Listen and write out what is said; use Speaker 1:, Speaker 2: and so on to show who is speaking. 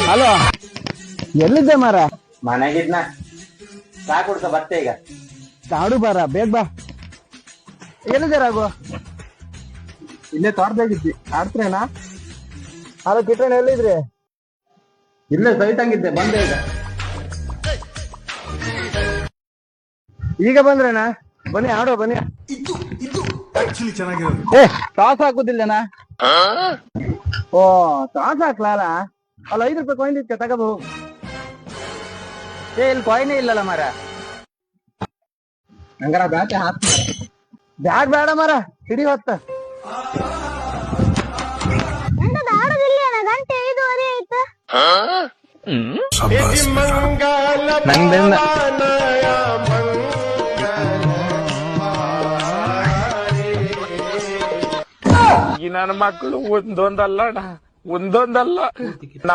Speaker 1: Hello, ಎಲ್ಲಿದ್ದೆ ಮಾರ?
Speaker 2: ಮನೆಗಿದ್ನ. ಚಾ ಕುಡ್ಸ ಬರ್ತೆ ಈಗ.
Speaker 1: ಕಾಡು ಬಾರ, ಬೇಗ ಬಾ. ಎಲ್ಲಿದ್ದೆ ರಾಘು?
Speaker 3: ಇಲ್ಲೇ ತೋಟದಾಗಿದ್ದಿ, ಆಡ್ತ್ರೇನಾ?
Speaker 1: ಹಲೋ ಕಿಟ್ಟಣ್ಣ, ಎಲ್ಲಿದ್ರಿ?
Speaker 3: ಇಲ್ಲೇ ಸೈತಂಗಿದ್ದೆ, ಬಂದೆ ಈಗ.
Speaker 1: ಈಗ ಬಂದ್ರೇನಾ? ಬನ್ನಿ ಆಡೋ, ಬನ್ನಿ.
Speaker 3: ಚೆನ್ನಾಗಿರೋದು.
Speaker 1: ಟಾಸ್ ಹಾಕುದಿಲ್ಲನಾ? ಓ, ಟಾಸ್ ಹಾಕ್ಲಾಲ? ಅಲ್ಲ, 5 ರೂಪಾಯಿ ಕಾಯಿನ್ ಇತ್ತು, ತಗೋಬಹುದು.
Speaker 2: ಇಲ್ಲಿ ಕಾಯಿನೇ ಇಲ್ಲಲ್ಲ ಮರ.
Speaker 3: ಹಂಗಾರ ಬ್ಯಾಟೆ ಹಾಕ್.
Speaker 1: ಬ್ಯಾಗ್ ಬೇಡ ಮರ, ಹಿಡಿ ಹೊತ್ತ.
Speaker 2: ನಂದಿಂದ
Speaker 4: ಈ ನನ್ನ ಮಕ್ಕಳು ಒಂದೊಂದಲ್ಲ